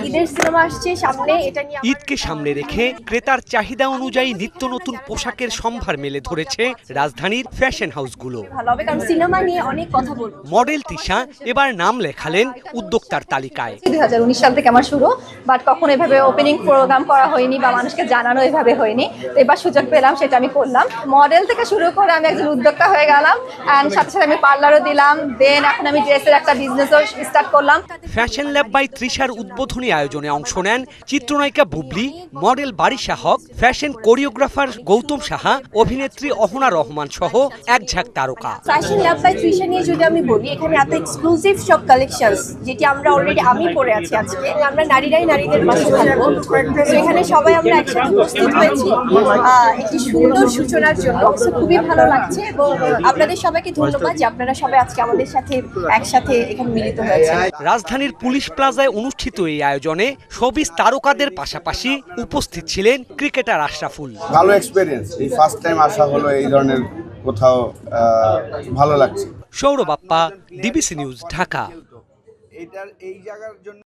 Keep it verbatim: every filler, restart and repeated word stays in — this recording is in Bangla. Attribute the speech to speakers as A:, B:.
A: ঈদের সিনেমা আসছে সামনে, এটা নিয়ে
B: ঈদকে সামনে রেখে ক্রেতার চাহিদা অনুযায়ী নিত্য নতুন পোশাকের সম্ভার মেলে ধরেছে রাজধানীর ফ্যাশন হাউসগুলো।
A: ভালো হবে কারণ সিনেমা নিয়ে অনেক কথা বলবো।
B: মডেল তিশা এবার নাম লেখালেন উদ্যোক্তার তালিকায়।
A: দুই হাজার উনিশ সাল থেকে আমার শুরু, বাট কখনো এভাবে ওপেনিং প্রোগ্রাম করা হয়নি বা মানুষকে জানানো এভাবে হয়নি। তো এবার সুযোগ পেলাম, সেটা আমি করলাম। মডেল থেকে শুরু করে আমি একজন উদ্যোক্তা হয়ে গেলাম, অ্যান্ড সাথে সাথে আমি পার্লারও দিলাম। দেন এখন আমি ড্রেসের একটা বিজনেসও স্টার্ট করলাম।
B: ফ্যাশন ল্যাব বাই তৃষার উদ্বোধনী আয়োজনে অংশ নেন চিত্রনায়িকা Bubly, model Barisha Haque, fashion choreographer Goutam Saha, অভিনেত্রী অহনা রহমান সহ এক ঝাঁক তারকা।
A: ফ্যাশন ল্যাব বাই তৃষা নিয়ে যদি আমি বলি, এখানে এত এক্সক্লুসিভ সব কালেকশনস যেটি আমরা অলরেডি আমি পরে আছি আজকে। আমরা নারীরাই নারীদের পাশে থাকবো। তো এখানে সবাই আমরা একসাথে উপস্থিত হয়েছি একটি সুন্দর সূচনার জন্য। খুবই ভালো লাগছে এবং আপনাদের সবাইকে ধন্যবাদ যে আপনারা সবাই আজকে আমাদের সাথে একসাথে এখানে মিলিত হয়েছেন।
B: রাজধানীর পুলিশ প্লাজায় অনুষ্ঠিত এই আয়োজনে শোবিজ তারকাদের পাশাপাশি উপস্থিত ছিলেন ক্রিকেটার আশরাফুল।
C: ভালো এক্সপেরিয়েন্স, এই ফার্স্ট টাইম আসা হলো এই ধরনের কোথাও, ভালো লাগছে।
B: Sourav Appa, DBC news, Dhaka.
C: এটার এই জায়গার জন্য